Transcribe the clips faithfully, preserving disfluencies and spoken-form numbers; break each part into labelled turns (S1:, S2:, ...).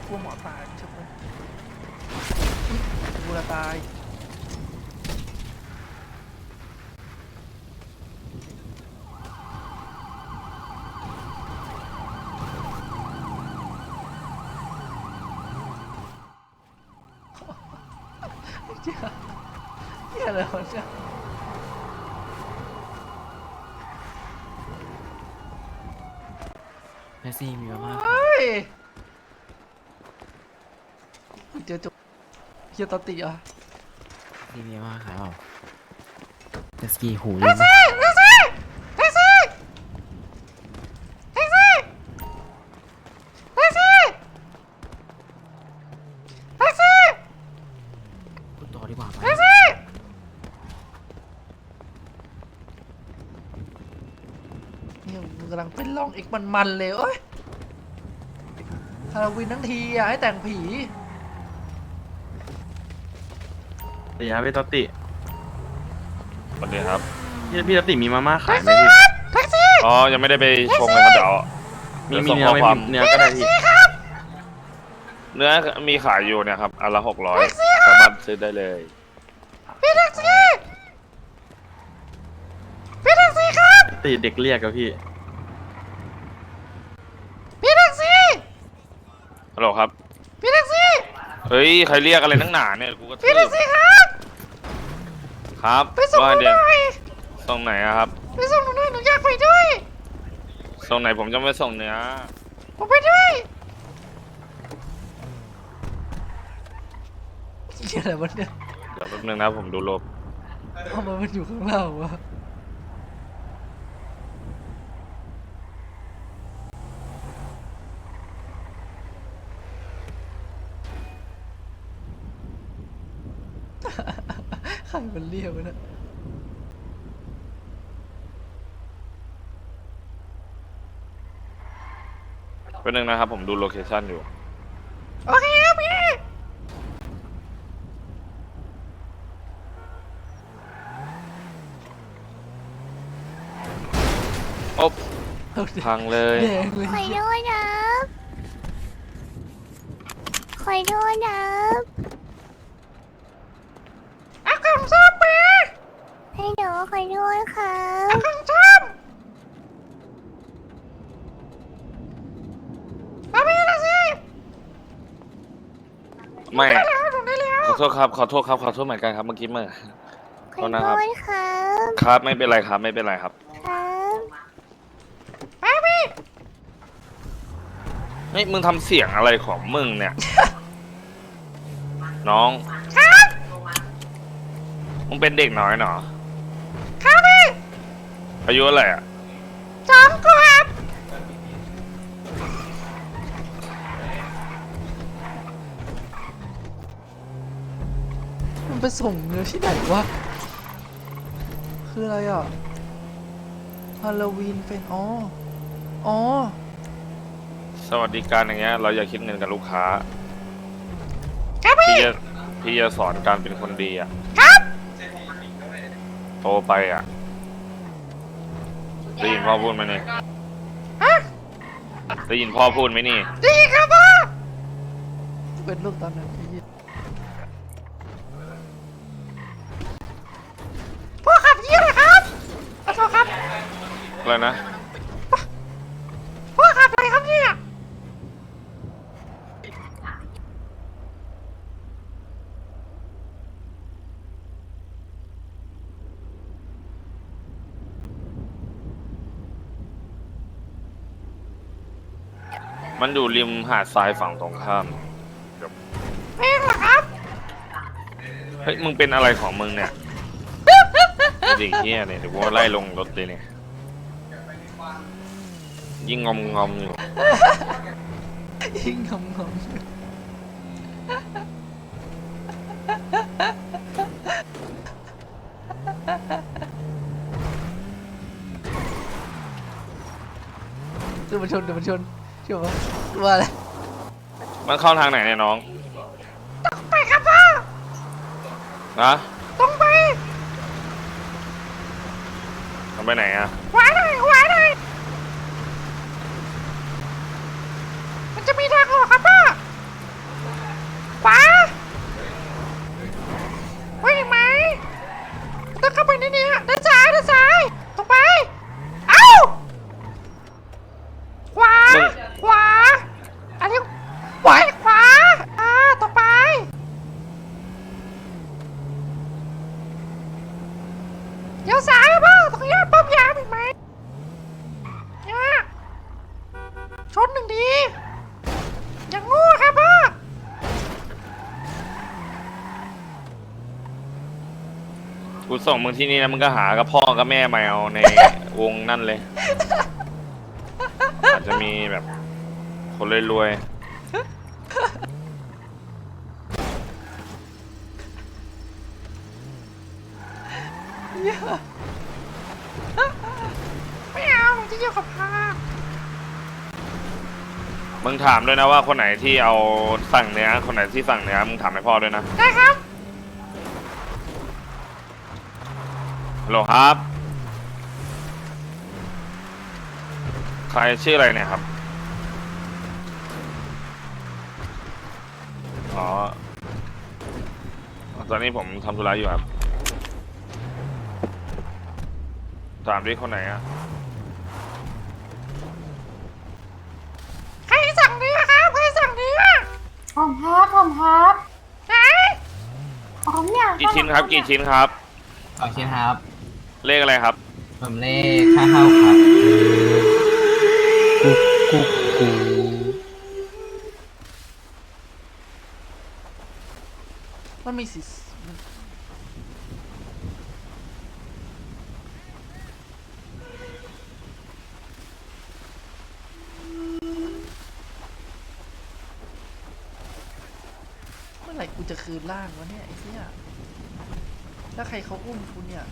S1: ลัวหมอตายใช่ไหมกูจะตายเจ้าเจ้าอะไรวะเจ้า
S2: แม่ซี่มีมามาก
S1: เฮ้ยเจอจุกเฮียตติอ่ะ
S2: แม่ซี่มีมามากขายเปล่าเจสกี้หูลืม พูดต่อดีกว่าไป
S1: เนี่ยมึงกำลังเป็นลองอีกมันๆเลยเอ้ยฮาโลวีนทั้งทีอ่ะให้แต่งผี
S3: สวัสดีครับพี่ต๊อตติ
S4: สวัสดีครับ
S3: พี่พี่ต๊อตติมีมาม่าขายไหมพี่
S4: อ๋อ ยังไม่ได้ไปชงเลยครับเดี๋ยว
S3: มี
S4: เดี๋ยว
S3: มี
S4: ส่ง
S3: เนื้
S4: ข้
S3: อ
S4: อ
S3: ไหม่
S4: ความ
S3: มีเนื้อก็ได้พี่
S4: เนื้อมีขายอยู่เนี่ยครับ อันละหกร้อยสามารถซื้อได้เลย
S3: ติเด็กเรียกกับพี่
S4: ฮัลโหลครับ พี่แท็กซี่ เฮ้ย ใครเรียกอะไรนักหนาเนี่ย กูก็พี่แท็กซี่ครับ ครับไปส่งหน่อยส่งไหนอะครับ
S1: ไปส่งหนูหน่อยหนูอยากไปด้วย
S4: ส่งไหนผมจะไม่ส่งเนื้อ
S1: ผมไปด้วยเหี้ยอะไรวะเนี่ย
S4: เดี๋ยวแป๊บนึงนะผมดูลบ
S1: ทำไมมันอยู่ข้างล่างวะใครมันเรียกวะเนี่ย
S4: แป๊บนึงนะครับผมดูโลเคชั่นอยู่
S1: โอเคครับพี่
S4: โอ๊บพังเลย
S1: แดงเลย
S5: ขอโทษนะขอโทษนะ
S1: อากังชอบไป
S5: ให้หนูขอโทษครับ
S1: อากังชอบมาพี่ละสิ
S4: ไม่
S1: ได้แล้วหนูได้แล้ว
S4: ขอโทษครับ ขอโทษครับ ขอโทษเหมือนกันครับ เมื่อกี้เมื่อ
S5: ขอโทษครับ
S4: ครับ ไม่เป็นไรครับ ไม่เป็นไรครับ
S5: ครับ
S1: มาพี่
S4: เฮ้ย มึงทำเสียงอะไรของมึงเนี่ย น้อง
S1: ครับ
S4: มึงเป็นเด็กน้อยเหรอ
S1: ครับพี่
S4: อายุอะไรอ่ะ
S1: สองขวบมันไปส่งเนื้อที่ไหนวะ คืออะไรอ่ะ ฮาโลวีนเป็นอ๋อ อ๋อ
S4: สวัสดิการอย่างเงี้ย เราอย่าคิดเงินกับลูกค้า
S1: ครับพี่
S4: พี่จะพี่จะสอนการเป็นคนดีอ่ะ
S1: ครับ
S4: โตไปอ่ะ ได้ยินพ่อพูดไหมนี่
S1: ฮะ
S4: ได้ยินพ่อพูดไหมนี่
S1: ดีครับพ่อเป็นลูกตอนนั้นพี่พ่อขับเยี่ยมเลยครับขอโทษครับ
S4: อะไรนะ
S1: พ่อขับอะไรครับเนี่ย
S4: มันอยู่ริมหาดทรายฝั่งตรงข้าม
S1: เพลงเหรอครับ
S4: เฮ้ย มึงเป็นอะไรของมึงเนี่ยเด็กเฮียเนี่ยเดี๋ยวกูไล่ลงรถเลยเนี่ย ยิ่งงอมงอมอยู่
S1: ยิ่งงงงเดี๋ยวมันชนเดี๋ยวมันชนเชื่อปะว่าอะไร
S4: มันเข้าทางไหนเนี่ยน้อง
S1: ไปครับพ่อ
S4: นะ
S1: ตรงไป
S4: ทำไปไหนอ่ะ
S1: ขวาหน่อยขวาหน่อยมันจะมีทางออกครับพ่อ
S4: มึง
S1: ขวา อันนี้ขวาขวา อ่า ต่อไป เดี๋ยวซ้ายอะพ่อตรงนี้ปั๊มยามอีกไหมเนี่ยชนหนึ่งทีอย่างงูครับพ่อ
S4: กูส่งมึงที่นี่นะมึงก็หากับพ่อกับแม่มาเอาในวงนั่นเลย อาจจะมีแบบคนรวย
S1: ไม่เอาผมจะอยู่กับพ่อ
S4: ๆมึงถามด้วยนะว่าคนไหนที่เอาสั่งเนื้อคนไหนที่สั่งเนื้อมึงถามให้พ่อด้วยนะ
S1: ได้ครับ
S4: ฮัลโหลครับใครชื่ออะไรเนี่ยครับอ๋อตอนนี้ผมทำธุระอยู่ครับถามดิคนไหนอะ
S1: ใครสั่งเนื้อครับ ใครสั่งเนื้อ
S6: ผมครับผมครับ
S1: ไหน
S6: ผมเนี่ย
S4: กี่ชิ้นครับกี่ชิ้นครับ
S2: โอเคครับ
S4: เลขอะไรครับ
S2: ผมเลขห้าห้าครับกุ๊กกุ๊กกู
S1: มันมีสิเมื่อไหร่กูจะคืนร่างวะเนี่ยไอ้เหี้ยถ้าใครเขาอุ้มกูเนี่ย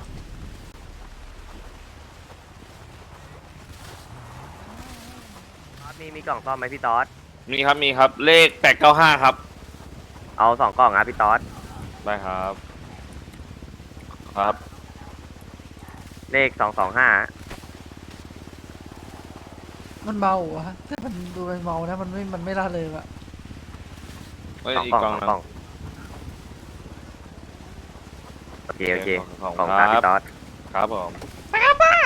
S7: มีมีกล่องซ่อมไหมพี่ต๊อด
S4: มีครับมีครับเลขแปดเก้าห้าครับ
S7: เอาสองกล่องนะพี่ต๊อด
S4: ได้ครับ ครับ
S7: เลขสองสองห้า
S1: มันเบาวะแต่มันดูเป็นเมานะ มันไม่ มันไม่ล่าเลยอะ
S4: เอ้ย
S7: สอง
S4: อีก
S7: กล่อง
S4: กล่อง
S7: สอง
S4: หนึ
S7: กล่อง
S4: ง
S7: โอเคโอเค
S4: ขอบ
S7: กล่อง
S4: คุณ
S7: ตาม
S4: ครั
S7: พี่
S4: บ
S7: ต๊อด
S4: ครับผม
S1: ไปครับป้า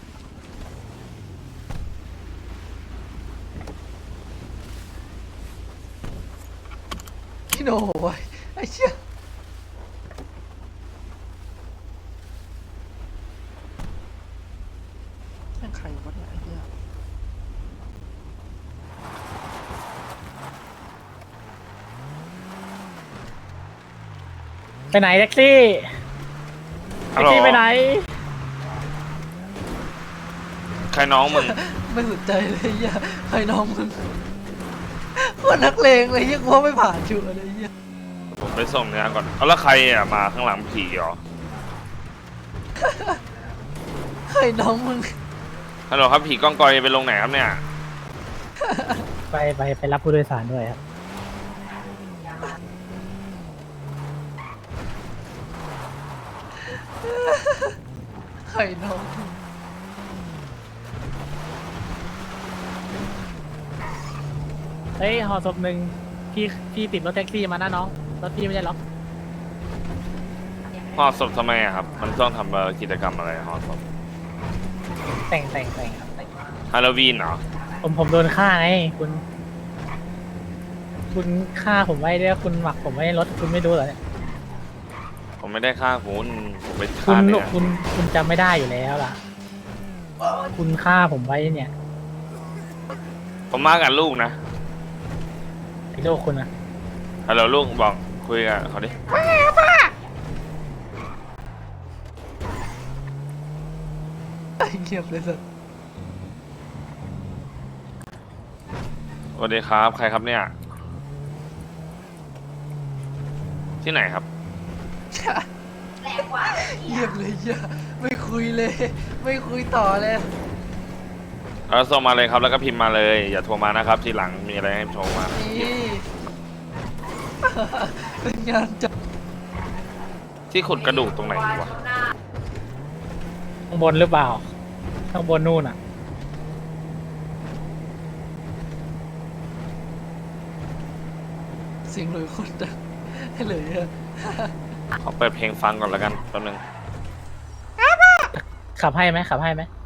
S1: พี่โน่ไว้ไอ้เชี่ยแม่งใครวะเนี่ยไอ้เหี้ย
S8: ไปไหนแท็กซี่แท็กซี่ไปไหน
S4: ใครน้องมึง
S1: ไม่สนใจเลยไอ้เหี้ยใครน้องมึงคนนักเลงเลยเหี้ยกูว่าไม่ผ่านชัวร์เลยไอ้เหี้ย
S4: ผมไปส่งเนื้อก่อนเอาแล้วใครอ่ะมาข้างหลังผีเหรอ
S1: ใครน้องมึง
S4: ฮัลโหลครับผีก้องกอยไปลงไหนครับเนี่ย
S8: ไปไปไปรับผู้โดยสารด้วยครับ
S1: ใครน้องมึง
S8: เฮ้ยห่อศพหนึ่งพี่พี่ติดรถแท็กซี่มานะน้องรถพี่ไม่ได้ล็อก
S4: ห่อศพทำไมอะครับ มันต้องทำเอ่อกิจกรรมอะไรห่อศพ
S8: แต่งแต่งแต่งครับแต่ง
S4: ฮาโลวีนเหรอ
S8: ผมผมโดนฆ่าไงคุณ คุณฆ่าผมไว้ด้วยคุณหมักผมไว้ในรถคุณไม่รู้เหรอเนี่ย
S4: ผมไม่ได้ฆ่าคุณผมไป
S8: คุ
S4: ฆ่า
S8: ณ
S4: เนี่ย
S8: คุณคุณจำไม่ได้อยู่แล้วล่ะ คุณฆ่าผมไว้เนี่ย
S4: ผมมากับลูกนะ
S8: ไอ้โลกคุณอะ
S4: ฮัลโหลลูกบอกคุยกับเขาดิ
S1: ว่าไงครับป้าไอ้เงียบเลยสัส
S4: สวัสดีครับ ใครครับเนี่ย ที่ไหนครับ
S1: เงียบเลยเหี้ยไม่คุยเลย ไม่คุยต่อเลย
S4: แล้วส่งมาเลยครับแล้วก็พิมพ์มาเลย อย่าโทรมานะครับ ทีหลังมีอะไรให้โทรมา
S1: นี่ เป็นงานจัด
S4: ที่ขุดกระดูกตรงไหนวะ
S8: ข้างบนหรือเปล่า ข้างบนนู่นอะ
S1: เสียงเลยคนดังให้เลยอะ
S4: ขอเปิดเพลงฟังก่อนแล้วกันแป๊บนึง
S8: ขับให้ไหมขับให้ไหม